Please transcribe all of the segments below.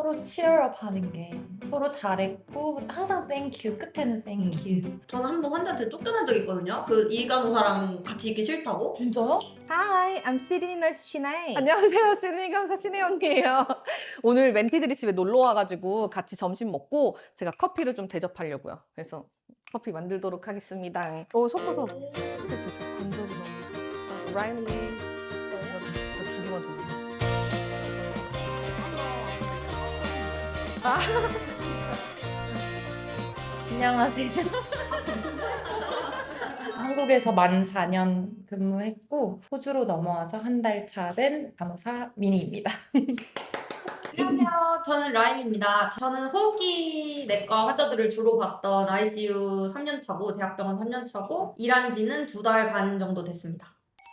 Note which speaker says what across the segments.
Speaker 1: 서로 치얼업 하는 게 서로 잘했고 항상 땡큐 끝에는 땡큐.
Speaker 2: 저는 한 번 환자한테 쫓겨난 적이 있거든요. 그 이간호사랑 같이 있기 싫다고.
Speaker 1: 진짜요?
Speaker 3: Hi, I'm Sydney Nurse Shinae.
Speaker 4: 안녕하세요. 시드니 간호사 신혜 언니예요. 오늘 멘티들이 집에 놀러 와가지고 같이 점심 먹고 제가 커피를 좀 대접하려고요. 그래서 커피 만들도록 하겠습니다. 섞어서 간절히 너무 라일리 저 주기만 더.
Speaker 1: 안녕하세요. 한국에서 만 4년 근무했고 호주로 넘어와서 한 달 차 된 간호사 미니입니다.
Speaker 2: 안녕하세요. 저는 라인입니다. 저는 호흡기 내과 환자들을 주로 봤던 ICU 3년 차고 대학병원 3년 차고 일한 지는 2달 반 정도 됐습니다.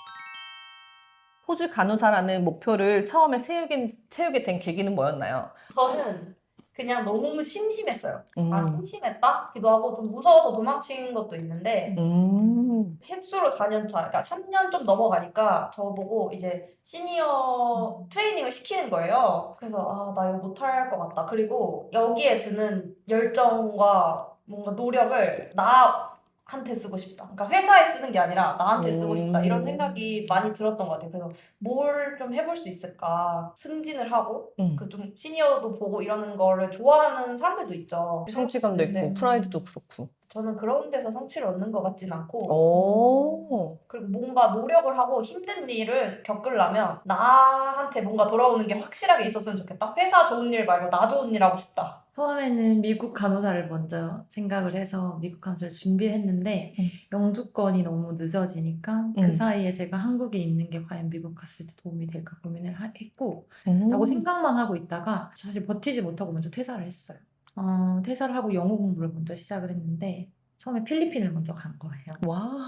Speaker 4: 호주 간호사라는 목표를 처음에 세우게 된 계기는 뭐였나요?
Speaker 2: 저는 그냥 너무 심심했어요.
Speaker 4: 음.
Speaker 2: 심심했다? 기도 하고 좀 무서워서 도망친 것도 있는데 횟수로 4년 차, 그러니까 3년 좀 넘어가니까 저보고 이제 시니어 트레이닝을 시키는 거예요. 그래서 나 이거 못할 것 같다. 그리고 여기에 드는 열정과 뭔가 노력을 나한테 쓰고 싶다. 그러니까 회사에 쓰는 게 아니라 나한테 쓰고 싶다. 이런 생각이 많이 들었던 것 같아요. 그래서 뭘 좀 해볼 수 있을까? 승진을 하고 그 좀 시니어도 보고 이러는 거를 좋아하는 사람들도 있죠.
Speaker 4: 성취감도 있고
Speaker 2: 네.
Speaker 4: 프라이드도 그렇고.
Speaker 2: 저는 그런 데서 성취를 얻는 것 같진 않고
Speaker 4: 오.
Speaker 2: 그리고 뭔가 노력을 하고 힘든 일을 겪으려면 나한테 뭔가 돌아오는 게 확실하게 있었으면 좋겠다. 회사 좋은 일 말고 나 좋은 일 하고 싶다.
Speaker 1: 처음에는 미국 간호사를 먼저 생각을 해서 미국 간호사를 준비했는데 영주권이 너무 늦어지니까 그 사이에 제가 한국에 있는 게 과연 미국 갔을 때 도움이 될까 고민을 했고 라고 생각만 하고 있다가 사실 버티지 못하고 먼저 퇴사를 했어요. 퇴사를 하고 영어 공부를 먼저 시작을 했는데 처음에 필리핀을 먼저 간 거예요.
Speaker 4: 와,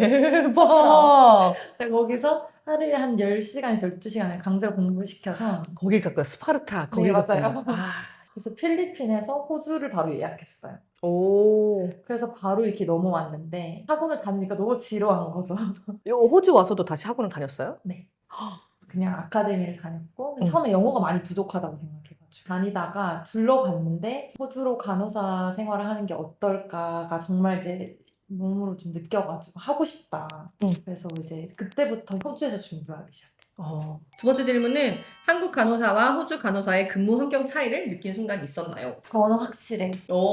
Speaker 4: 대박.
Speaker 1: 거기서 하루에 한 10시간에서 12시간을 강제로 공부를 시켜서
Speaker 4: 거길 갔고요. 스파르타. 거길
Speaker 1: 네,
Speaker 4: 갔고요.
Speaker 1: 맞아요.
Speaker 4: 아.
Speaker 1: 그래서 필리핀에서 호주를 바로 예약했어요.
Speaker 4: 오.
Speaker 1: 그래서 바로 이렇게 넘어왔는데 학원을 다니니까 너무 지루한 거죠.
Speaker 4: 호주 와서도 다시 학원을 다녔어요?
Speaker 1: 네. 그냥 아카데미를 다녔고 처음에 영어가 많이 부족하다고 생각해가지고 다니다가 둘러봤는데 호주로 간호사 생활을 하는 게 어떨까가 정말 이제 몸으로 좀 느껴가지고 하고 싶다. 그래서 이제 그때부터 호주에서 준비하기 시작했어요.
Speaker 4: 두 번째 질문은 한국 간호사와 호주 간호사의 근무 환경 차이를 느낀 순간 있었나요?
Speaker 1: 저는 확실해.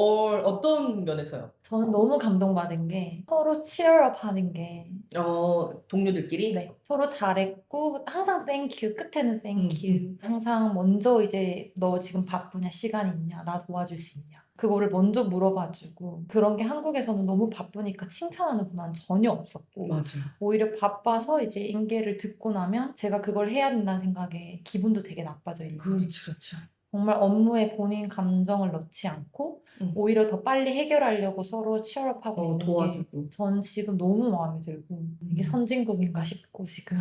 Speaker 4: 어떤 면에서요?
Speaker 1: 저는 너무 감동받은 게 서로 치얼업 하는 게
Speaker 4: 동료들끼리?
Speaker 1: 네, 서로 잘했고 항상 땡큐 끝에는 땡큐 항상 먼저 이제 너 지금 바쁘냐 시간 있냐 나 도와줄 수 있냐 그거를 먼저 물어봐주고 그런 게 한국에서는 너무 바쁘니까 칭찬하는 문화는 전혀 없었고
Speaker 4: 맞아요.
Speaker 1: 오히려 바빠서 이제 인계를 듣고 나면 제가 그걸 해야 된다는 생각에 기분도 되게 나빠져 있는 거예요.
Speaker 4: 그렇죠.
Speaker 1: 정말 업무에 본인 감정을 넣지 않고 오히려 더 빨리 해결하려고 서로 치열업하고 있는 게
Speaker 4: 도와주고.
Speaker 1: 전 지금 너무 마음에 들고 이게 선진국인가 싶고 지금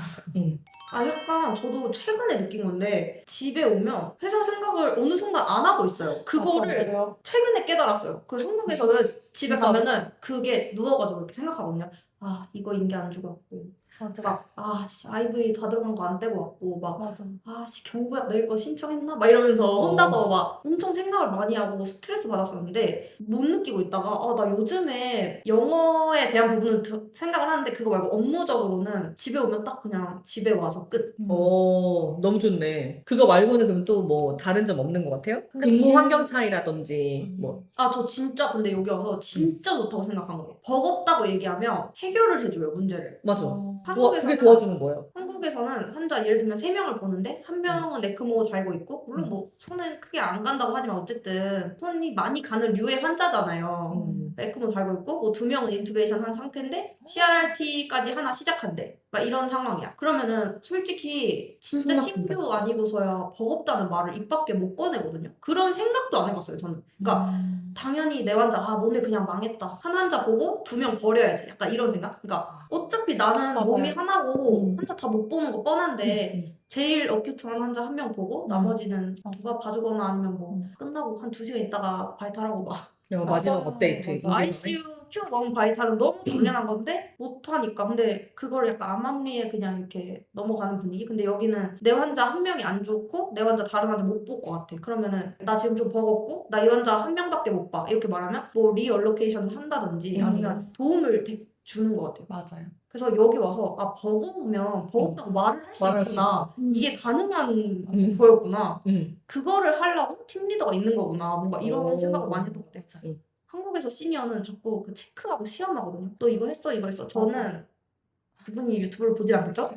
Speaker 2: 약간 저도 최근에 느낀 건데 집에 오면 회사 생각을 어느 순간 안 하고 있어요. 그거를
Speaker 1: 맞아요.
Speaker 2: 최근에 깨달았어요. 그 한국에서는 집에
Speaker 1: 진짜.
Speaker 2: 가면은 그게 누워가지고 이렇게 생각하거든요. 이거 인계 안 주고 왔고
Speaker 1: 맞아.
Speaker 2: IV 다 들어간 거 안 떼고 왔고
Speaker 1: 맞아.
Speaker 2: 경구약 내일 거 신청했나? 막 이러면서 혼자서 막 엄청 생각을 많이 하고 스트레스 받았었는데 못 느끼고 있다가 나 요즘에 영어에 대한 부분은 생각을 하는데 그거 말고 업무적으로는 집에 오면 딱 그냥 집에 와서 끝.
Speaker 4: 너무 좋네. 그거 말고는 그럼 또 뭐 다른 점 없는 것 같아요?
Speaker 1: 근데
Speaker 4: 근무
Speaker 1: 일-
Speaker 4: 환경 차이라든지 뭐.
Speaker 2: 저 진짜 근데 여기 와서 진짜 좋다고 생각한 거예요. 버겁다고 얘기하면 해결을 해줘요, 문제를.
Speaker 4: 맞아.
Speaker 2: 한국에서는
Speaker 4: 그게 도와주는 거예요.
Speaker 2: 한국에서는 환자 예를 들면 3명을 보는데 한 명은 에크모 달고 있고 물론 뭐 손은 크게 안 간다고 하지만 어쨌든 손이 많이 가는 류의 환자잖아요. 에크모 달고 있고 뭐 2명은 인투베이션 한 상태인데 CRRT까지 하나 시작한대. 막 이런 상황이야. 그러면은 솔직히 진짜
Speaker 4: 심각합니다.
Speaker 2: 신규 아니고서야 버겁다는 말을 입 밖에 못 꺼내거든요. 그런 생각도 안 해봤어요, 저는. 그러니까 당연히 내 환자 오늘 그냥 망했다. 한 환자 보고 2명 버려야지. 약간 이런 생각? 그러니까 어차피 나는
Speaker 1: 맞아요.
Speaker 2: 몸이 하나고 환자 다 못 보는 거 뻔한데 제일 어큐트한 환자 1명 보고 나머지는 누가 봐주거나 아니면 뭐 끝나고 한 2시간 있다가 바이탈하고 막
Speaker 4: 마지막
Speaker 1: 맞아.
Speaker 4: 업데이트.
Speaker 1: 맞아.
Speaker 4: 인계선에.
Speaker 2: ICU 키운 너무 바이탈은 너무 당연한 건데 못하니까. 근데 그걸 약간 암암리에 그냥 이렇게 넘어가는 분위기. 근데 여기는 내 환자 한 명이 안 좋고 내 환자 다른 환자 못 볼 것 같아. 그러면은 나 지금 좀 버겁고 나 이 환자 한 명밖에 못 봐. 이렇게 말하면 뭐 리얼로케이션을 한다든지 아니면 도움을 주는 것 같아요.
Speaker 1: 맞아요.
Speaker 2: 그래서 여기 와서 아 버거우면 버겁다고 말을 할 수
Speaker 4: 말할 수
Speaker 2: 있구나. 이게 가능한
Speaker 1: 맞아요.
Speaker 2: 거였구나.
Speaker 4: 음.
Speaker 2: 그거를 하려고 팀 리더가 있는 거구나. 뭔가 이런
Speaker 4: 오.
Speaker 2: 생각을 많이 했던 것 같아요. 한국에서 시니어는 자꾸 그 체크하고 시험하거든요. 너 이거 했어, 이거 했어. 저는
Speaker 1: 맞아요.
Speaker 2: 그분이 유튜브를 보지 않겠죠?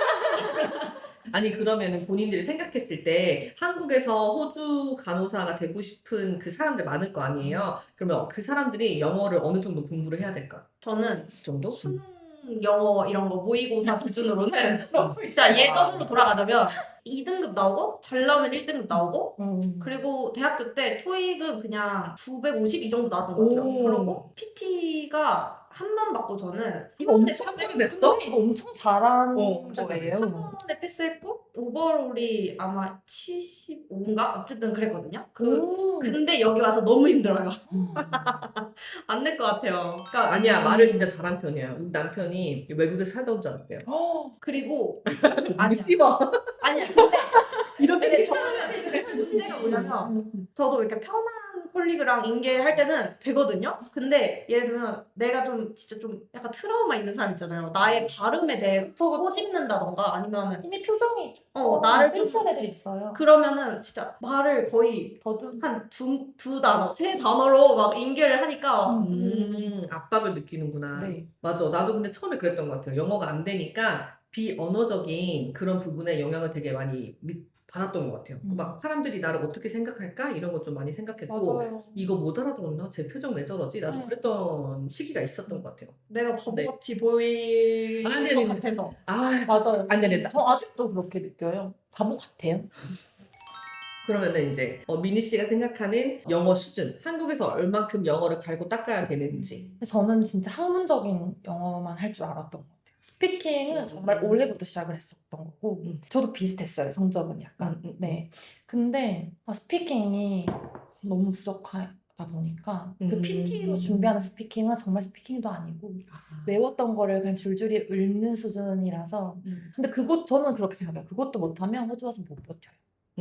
Speaker 5: 아니 그러면은 본인들이 생각했을 때 한국에서 호주 간호사가 되고 싶은 그 사람들 많을 거 아니에요? 그러면 그 사람들이 영어를 어느 정도 공부를 해야 될까?
Speaker 2: 저는
Speaker 5: 그 정도?
Speaker 2: 수능 영어 이런 거 모의고사 기준으로는 진짜 예전으로 돌아가자면 2등급 나오고 잘 나오면 1등급 나오고 그리고 대학교 때 토익은 그냥 950 이 정도 나왔던 것 같아요.
Speaker 1: 오.
Speaker 2: 그리고 PT가 한 번 받고 저는
Speaker 1: 이거
Speaker 2: 한 번에
Speaker 1: 엄청
Speaker 5: 됐어?
Speaker 1: 이거 엄청 잘한
Speaker 5: 어,
Speaker 1: 거예요.
Speaker 2: 한 번에 패스했고 오버롤이 아마 75인가? 어쨌든 그랬거든요. 근데 여기 와서 너무 힘들어요. 안 될 것 같아요. 그러니까
Speaker 5: 아니야 말을 진짜 잘한 편이야. 우리 남편이 외국에서 살다 온 줄 알았대요.
Speaker 2: 그리고
Speaker 5: 아니 씹어.
Speaker 2: 아니야. 근데 저는 문제가 뭐냐면 저도 이렇게 편한 콜리그랑 인계할 때는 되거든요. 근데 예를 들면 내가 좀 진짜 좀 약간 트라우마 있는 사람 있잖아요. 나의 발음에 대해 꼬집는다던가 아니면
Speaker 1: 이미 표정이
Speaker 2: 나를 좀
Speaker 1: 센치한 애들이 있어요.
Speaker 2: 그러면은 진짜 말을 거의
Speaker 1: 더듬.
Speaker 2: 한 두 단어, 세 단어로 막 인계를 하니까
Speaker 5: 압박을 느끼는구나.
Speaker 1: 네.
Speaker 5: 맞아. 나도 근데 처음에 그랬던 것 같아요. 영어가 안 되니까 비언어적인 그런 부분에 영향을 되게 많이 받았던 것 같아요. 막 사람들이 나를 어떻게 생각할까? 이런 거 좀 많이 생각했고
Speaker 1: 맞아요.
Speaker 5: 이거 못 알아들었나? 제 표정 왜 저러지? 나도
Speaker 1: 네.
Speaker 5: 그랬던 시기가 있었던 것 같아요.
Speaker 2: 내가 바보같이 보일
Speaker 5: 아니,
Speaker 2: 것
Speaker 5: 아니,
Speaker 2: 같아서
Speaker 1: 맞아요.
Speaker 5: 안 되네.
Speaker 1: 저 아직도 그렇게 느껴요. 바보 같아요.
Speaker 5: 그러면은 이제 미니 씨가 생각하는 영어 수준, 한국에서 얼만큼 영어를 갈고 닦아야 되는지.
Speaker 1: 근데 저는 진짜 학문적인 영어만 할 줄 알았던 것 같아요. 스피킹은 정말 올해부터 시작을 했었던 거고 저도 비슷했어요. 성적은 약간. 네. 근데 스피킹이 너무 부족하다 보니까 그 PT로 준비하는 스피킹은 정말 스피킹도 아니고 외웠던 거를 그냥 줄줄이 읊는 수준이라서 근데 저는 그렇게 생각해요. 그것도 못하면 호주 와서 못 버텨요.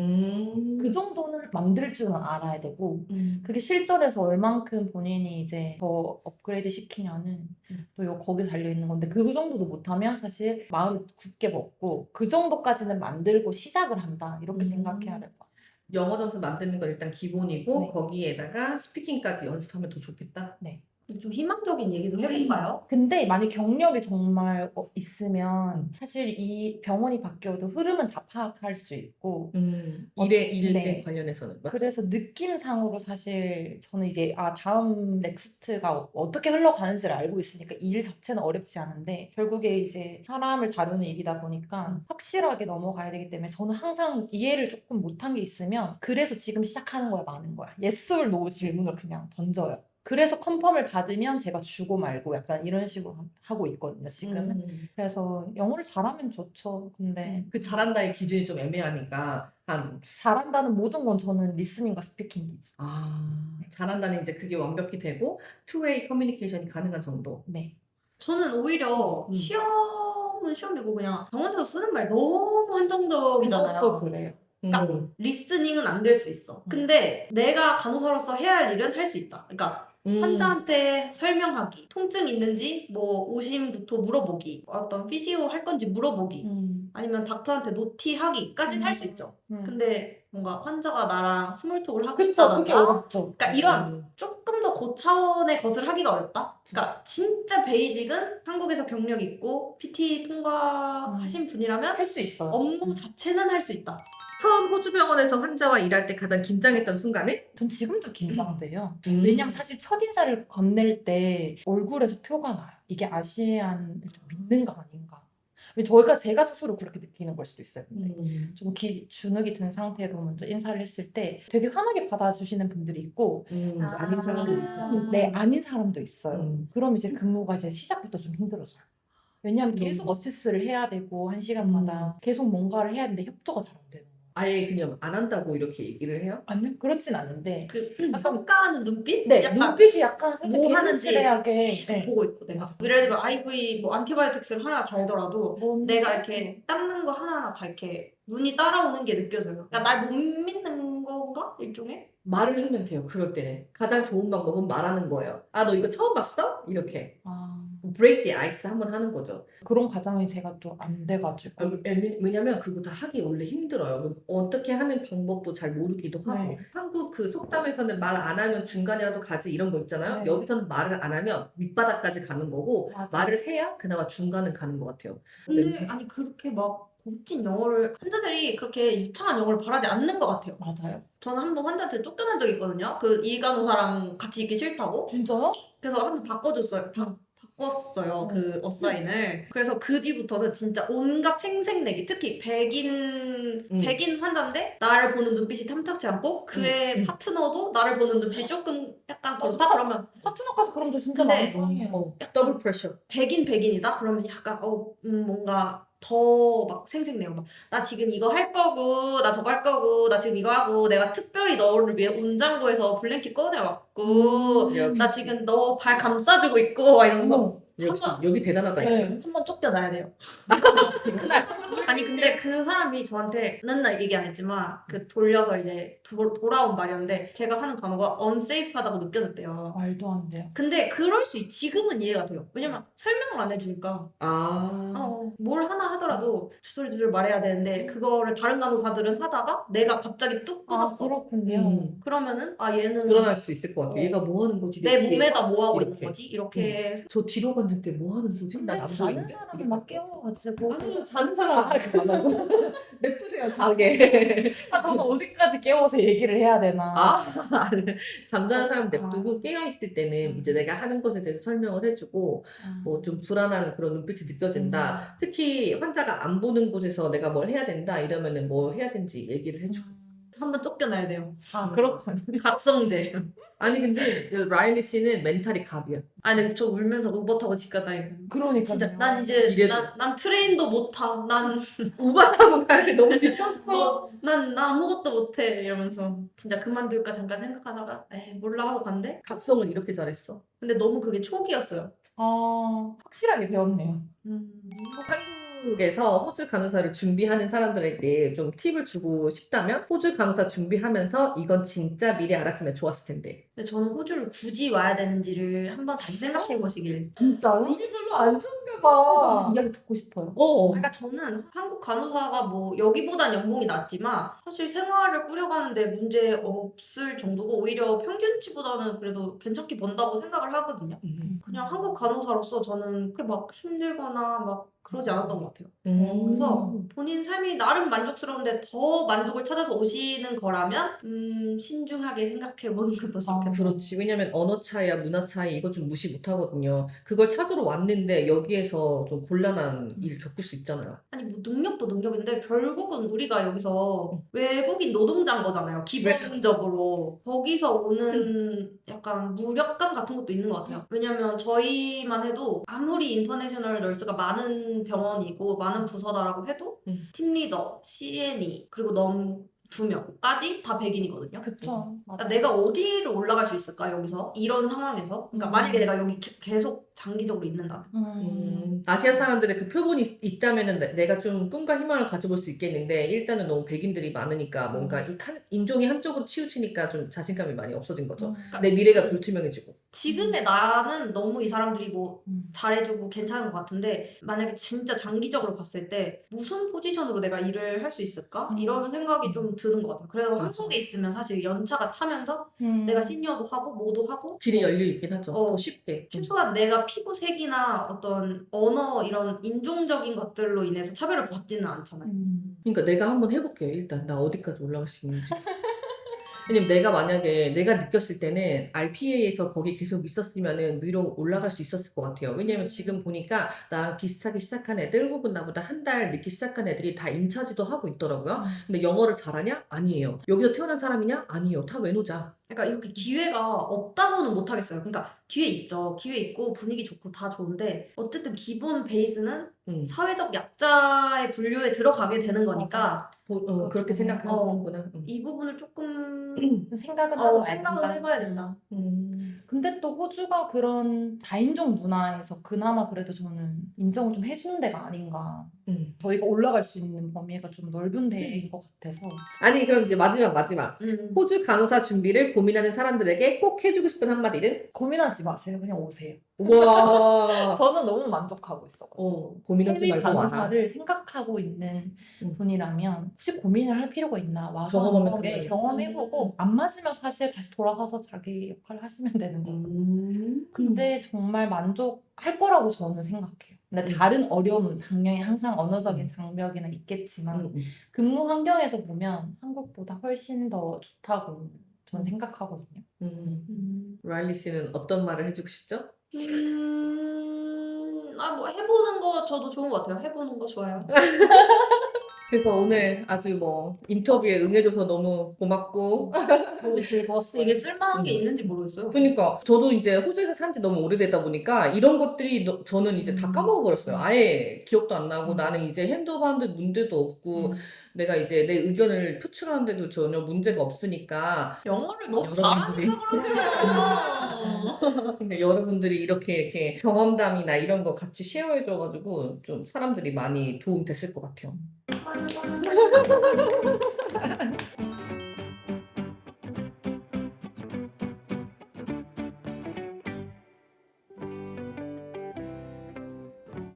Speaker 1: 그 정도는 만들 줄은 알아야 되고 그게 실전에서 얼만큼 본인이 이제 더 업그레이드 시키냐는 또 거기에 달려있는 건데 그 정도도 못하면 사실 마음을 굳게 먹고 그 정도까지는 만들고 시작을 한다 이렇게 생각해야 될 것 같아요.
Speaker 5: 영어 점수 만드는 건 일단 기본이고
Speaker 1: 네.
Speaker 5: 거기에다가 스피킹까지 연습하면 더 좋겠다.
Speaker 1: 네.
Speaker 2: 좀 희망적인 얘기도 해볼까요?
Speaker 1: 근데 만약 경력이 정말 있으면 사실 이 병원이 바뀌어도 흐름은 다 파악할 수 있고
Speaker 5: 일에
Speaker 1: 네.
Speaker 5: 관련해서는 맞죠?
Speaker 1: 그래서 느낌상으로 사실 저는 이제 다음 넥스트가 어떻게 흘러가는지를 알고 있으니까 일 자체는 어렵지 않은데 결국에 이제 사람을 다루는 일이다 보니까 확실하게 넘어가야 되기 때문에 저는 항상 이해를 조금 못한 게 있으면 그래서 지금 시작하는 거야 많은 거야. yes or no 질문을 그냥 던져요. 그래서 컨펌을 받으면 제가 주고 말고 약간 이런 식으로 하고 있거든요 지금은. 그래서 영어를 잘하면 좋죠. 근데
Speaker 5: 그 잘한다의 기준이 좀 애매하니까
Speaker 1: 잘한다는 모든 건 저는 리스닝과 스피킹 기준.
Speaker 5: 잘한다는 이제 그게 완벽히 되고 투웨이 커뮤니케이션이 가능한 정도.
Speaker 1: 네.
Speaker 2: 저는 오히려 시험은 시험이고 그냥 병원에서 쓰는 말 너무 한정적이잖아요.
Speaker 1: 그것도 그래요.
Speaker 2: 그러니까 리스닝은 안 될 수 있어. 근데 내가 간호사로서 해야 할 일은 할 수 있다. 그러니까 환자한테 설명하기, 통증 있는지 뭐 오심부터 물어보기, 어떤 피지오 할 건지 물어보기, 아니면 닥터한테 노티하기까지는 할 수 있죠. 근데 뭔가 환자가 나랑 스몰톡을 하고
Speaker 1: 그쵸,
Speaker 2: 싶다던가
Speaker 1: 그게 어렵죠.
Speaker 2: 그러니까 이런 조금 더 고차원의 것을 하기가 어렵다. 그러니까 진짜 베이직은 한국에서 경력 있고 PT 통과하신 분이라면
Speaker 1: 할 수 있어요.
Speaker 2: 업무 자체는 할 수 있다.
Speaker 5: 처음 호주 병원에서 환자와 일할 때 가장 긴장했던 순간은?
Speaker 1: 전 지금도 긴장돼요. 왜냐면 사실 첫인사를 건넬 때 얼굴에서 표가 나요. 이게 아시안을 좀 믿는가 아닌가. 제가 스스로 그렇게 느끼는 걸 수도 있어요. 근데 좀 주눅이 든 상태로 먼저 인사를 했을 때 되게 환하게 받아주시는 분들이 있고
Speaker 5: 아닌 사람도 있어.
Speaker 1: 네, 아닌 사람도 있어요. 그럼 이제 근무가 이제 시작부터 좀 힘들어져요. 왜냐하면 계속 어세스를 해야 되고 한 시간마다 계속 뭔가를 해야 되는데 협조가 잘 안 되는 거예요.
Speaker 5: 아예 그냥 안 한다고 이렇게 얘기를 해요?
Speaker 1: 아니요, 그렇진 않은데.
Speaker 2: 그 평가하는 눈빛?
Speaker 1: 네,
Speaker 2: 약간
Speaker 1: 눈빛이 약간 살짝
Speaker 2: 뭐 하는지
Speaker 1: 개슴츠레하게.
Speaker 2: 계속
Speaker 1: 네.
Speaker 2: 보고 있고 내가. 예를 들면 IV 뭐 안티바이오틱스를 하나 달더라도 내가 이렇게 닦는 거 하나하나 다 이렇게 눈이 따라오는 게 느껴져요. 그러니까 날 못 믿는 건가? 일종의?
Speaker 5: 말을 하면 돼요. 그럴 때는 가장 좋은 방법은 말하는 거예요. 아, 너 이거 처음 봤어? 이렇게
Speaker 1: 아,
Speaker 5: break the ice 한번 하는 거죠.
Speaker 1: 그런 과정이 제가 또 안 돼가지고.
Speaker 5: 왜냐면 그거 다 하기 원래 힘들어요. 어떻게 하는 방법도 잘 모르기도 하고.
Speaker 1: 네.
Speaker 5: 한국 그 속담에서는 말 안 하면 중간이라도 가지 이런 거 있잖아요.
Speaker 1: 네.
Speaker 5: 여기서는 말을 안 하면 밑바닥까지 가는 거고
Speaker 1: 맞아.
Speaker 5: 말을 해야 그나마 중간은 가는 것 같아요.
Speaker 2: 근데 아니 그렇게 막 고급진 영어를 환자들이 그렇게 유창한 영어를 바라지 않는 것 같아요.
Speaker 1: 맞아요.
Speaker 2: 저는 한 번 환자한테 쫓겨난 적이 있거든요. 그 이간호사랑 같이 있기 싫다고.
Speaker 1: 진짜요?
Speaker 2: 그래서 한 번 바꿔줬어요. 바꿨어요. 그 어사인을. 그래서 그 뒤부터는 진짜 온갖 생색내기. 특히 백인 환자인데 나를 보는 눈빛이 탐탁치 않고 그의 파트너도 나를 보는 눈빛이 조금 약간 그렇다 그러면
Speaker 1: 파트너까지 그럼 저 진짜
Speaker 2: 근데-
Speaker 1: 마음 상해요.
Speaker 5: 더블 프레셔.
Speaker 2: 백인이다? 그러면 약간 뭔가 더 막 생색내요. 막 나 지금 이거 할 거고 나 저거 할 거고 나 지금 이거 하고 내가 특별히 너를 위해 온장고에서 블랭킷 꺼내왔고 나 지금 너 발 감싸주고 있고 막 이러면서
Speaker 1: 어머.
Speaker 5: 역시
Speaker 2: 한번-
Speaker 5: 여기 대단하다니까.
Speaker 1: 네.
Speaker 2: 한 번 쫓겨나야 돼요. 아니 근데 그 사람이 저한테 맨날 얘기 안 했지만 그 돌려서 이제 돌아온 말이었는데 제가 하는 간호가 unsafe하다고 느껴졌대요.
Speaker 1: 말도 안 돼요.
Speaker 2: 근데 그럴 수 지금은 이해가 돼요. 왜냐면 설명을 안 해주니까 뭘 하나 하더라도 주술주술 말해야 되는데 그거를 다른 간호사들은 하다가 내가 갑자기 뚝
Speaker 1: 아,
Speaker 2: 끊었어.
Speaker 1: 그렇군요.
Speaker 2: 그러면은 얘는
Speaker 5: 드러날 수 있을 것 같아.
Speaker 2: 어.
Speaker 5: 얘가 뭐 하는 거지?
Speaker 2: 내
Speaker 5: 뒤에.
Speaker 2: 몸에다 뭐 하고 있는
Speaker 5: 이렇게.
Speaker 2: 거지? 이렇게
Speaker 5: 저 뒤로 갔는데 뭐 하는 거지?
Speaker 1: 근데
Speaker 5: 난안
Speaker 1: 자는
Speaker 5: 보이는데.
Speaker 1: 사람은 막 깨워가지고.
Speaker 5: 아니, 자는 사람 안 하고 냅두세요, 자게.
Speaker 1: 저는 어디까지 깨워서 얘기를 해야 되나.
Speaker 5: 잠자는 사람 냅두고 깨어있을 때는 이제 내가 하는 것에 대해서 설명을 해주고 뭐 좀 불안한 그런 눈빛이 느껴진다. 특히 환자가 안 보는 곳에서 내가 뭘 해야 된다 이러면은 뭐 해야 되는지 얘기를 해주고.
Speaker 2: 한번 쫓겨나야 돼요.
Speaker 1: 아, 그렇군요.
Speaker 2: 각성제.
Speaker 5: 아니 근데 그 라일리 씨는 멘탈이 갑이야.
Speaker 2: 아니 저 울면서 우버 타고 집 갔다 이거.
Speaker 1: 그러니까.
Speaker 2: 진짜 난 이제
Speaker 5: 이래도.
Speaker 2: 난 트레인도 못 타. 난
Speaker 5: 우바 타고 가는데 너무 지쳤어.
Speaker 2: 난 아무것도 못해 이러면서 진짜 그만둘까 잠깐 생각하다가 에이 몰라 하고 간대.
Speaker 5: 각성을 이렇게 잘했어.
Speaker 2: 근데 너무 그게 초기였어요.
Speaker 1: 확실하게 배웠네요.
Speaker 5: 한국에서 호주 간호사를 준비하는 사람들에게 좀 팁을 주고 싶다면 호주 간호사 준비하면서 이건 진짜 미리 알았으면 좋았을 텐데.
Speaker 2: 근데 저는 호주를 굳이 와야 되는지를 한번 다시 생각해 보시길.
Speaker 1: 진짜요?
Speaker 5: 여기 별로 안 좋은가
Speaker 1: 저는 이야기 듣고 싶어요.
Speaker 2: 그러니까 저는 한국 간호사가 뭐 여기보단 연봉이 낮지만 사실 생활을 꾸려가는데 문제 없을 정도고 오히려 평균치보다는 그래도 괜찮게 번다고 생각을 하거든요. 그냥 한국 간호사로서 저는 그렇게 막 힘들거나 막 그러지 않았던 것 같아요. 그래서 본인 삶이 나름 만족스러운데 더 만족을 찾아서 오시는 거라면 신중하게 생각해보는 것도 좋겠다.
Speaker 5: 그렇지. 왜냐면 언어 차이야 문화 차이 이거 좀 무시 못 하거든요. 그걸 찾으러 왔는데 여기에서 좀 곤란한 일을 겪을 수 있잖아요.
Speaker 2: 아니 뭐 능력도 능력인데 결국은 우리가 여기서 외국인 노동자인 거잖아요. 기본적으로 거기서 오는 약간 무력감 같은 것도 있는 것 같아요. 왜냐면 저희만 해도 아무리 인터내셔널 널스가 많은 병원이고 많은 부서다라고 해도 팀리더, CNE 그리고 넘 2명까지 다 백인이거든요.
Speaker 1: 그쵸.
Speaker 2: 그러니까 내가 어디를 올라갈 수 있을까 여기서 이런 상황에서 그러니까 만약에 내가 여기 계속 장기적으로 있는다면
Speaker 5: 아시아 사람들의 그 표본이 있다면은 내가 좀 꿈과 희망을 가져볼 수 있겠는데 일단은 너무 백인들이 많으니까 뭔가 인종이 한쪽으로 치우치니까 좀 자신감이 많이 없어진 거죠. 내 미래가 불투명해지고.
Speaker 2: 지금의 나는 너무 이 사람들이 뭐 잘해주고 괜찮은 것 같은데 만약에 진짜 장기적으로 봤을 때 무슨 포지션으로 내가 일을 할 수 있을까? 이런 생각이 좀 드는 것 같아요. 그래서
Speaker 5: 맞아.
Speaker 2: 한국에 있으면 사실 연차가 차면서 내가 시니어도 하고 뭐도 하고
Speaker 5: 길이 열려 있긴 하죠. 더 쉽게.
Speaker 2: 최소한 내가 피부색이나 어떤 언어 이런 인종적인 것들로 인해서 차별을 받지는 않잖아요.
Speaker 5: 그러니까 내가 한번 해볼게요. 일단 나 어디까지 올라갈 수 있는지. 왜냐면 내가 만약에 내가 느꼈을 때는 RPA에서 거기 계속 있었으면은 위로 올라갈 수 있었을 것 같아요. 왜냐면 지금 보니까 나랑 비슷하게 시작한 애들 혹은 나보다 한 달 늦게 시작한 애들이 다 인차지도 하고 있더라고요. 근데 영어를 잘하냐? 아니에요. 여기서 태어난 사람이냐? 아니에요. 다 외노자.
Speaker 2: 그러니까 이렇게 기회가 없다고는 못하겠어요. 그러니까 기회 있죠. 기회 있고 분위기 좋고 다 좋은데 어쨌든 기본 베이스는 사회적 약자의 분류에 들어가게 되는 거니까
Speaker 5: 그렇게 생각하는구나.
Speaker 2: 이 부분을 조금
Speaker 1: 생각은 하고
Speaker 2: 생각은
Speaker 1: 된다.
Speaker 2: 해봐야 된다.
Speaker 1: 근데 또 호주가 그런 다인종 문화에서 그나마 그래도 저는 인정을 좀 해주는 데가 아닌가. 저희가 올라갈 수 있는 범위가 좀 넓은 데인 것 같아서.
Speaker 5: 아니 그럼 이제 마지막 호주 간호사 준비를 고민하는 사람들에게 꼭 해주고 싶은 한마디는?
Speaker 1: 고민하지 마세요. 그냥 오세요.
Speaker 5: 와.
Speaker 1: 저는 너무 만족하고 있어요.
Speaker 5: 고민하지
Speaker 1: 해외
Speaker 5: 말고 와라.
Speaker 1: 간호사를 생각하고 있는 분이라면 혹시 고민을 할 필요가 있나 와서
Speaker 5: 경험하면
Speaker 1: 한번
Speaker 5: 그만이지.
Speaker 1: 경험해보고 안 맞으면 사실 다시 돌아가서 자기 역할을 하시면 되는 거고. 근데 정말 만족할 거라고 저는 생각해요. 근데 다른 어려움은 당연히 항상 언어적인 장벽이나 있겠지만 근무 환경에서 보면 한국보다 훨씬 더 좋다고 저는 생각하거든요.
Speaker 5: 라일리 씨는 어떤 말을 해주고 싶죠?
Speaker 2: 뭐 해보는 거 저도 좋은 것 같아요. 해보는 거 좋아요.
Speaker 5: 그래서 오늘 아주 뭐 인터뷰에 응해줘서 너무 고맙고
Speaker 1: 너무 즐거웠어요.
Speaker 2: 이게 쓸만한 게 있는지 모르겠어요.
Speaker 5: 그러니까 저도 이제 호주에서 산 지 너무 오래되다 보니까 이런 것들이 저는 이제 다 까먹어버렸어요. 아예 기억도 안 나고 나는 이제 핸드하는데 문제도 없고 내가 이제 내 의견을 표출하는데도 전혀 문제가 없으니까
Speaker 2: 영어를 너무
Speaker 5: 여러분들이.
Speaker 2: 잘하니까 그렇잖아요.
Speaker 5: 근데 여러분들이 이렇게 경험담이나 이런 거 같이 쉐어해줘가지고 좀 사람들이 많이 도움 됐을 것 같아요.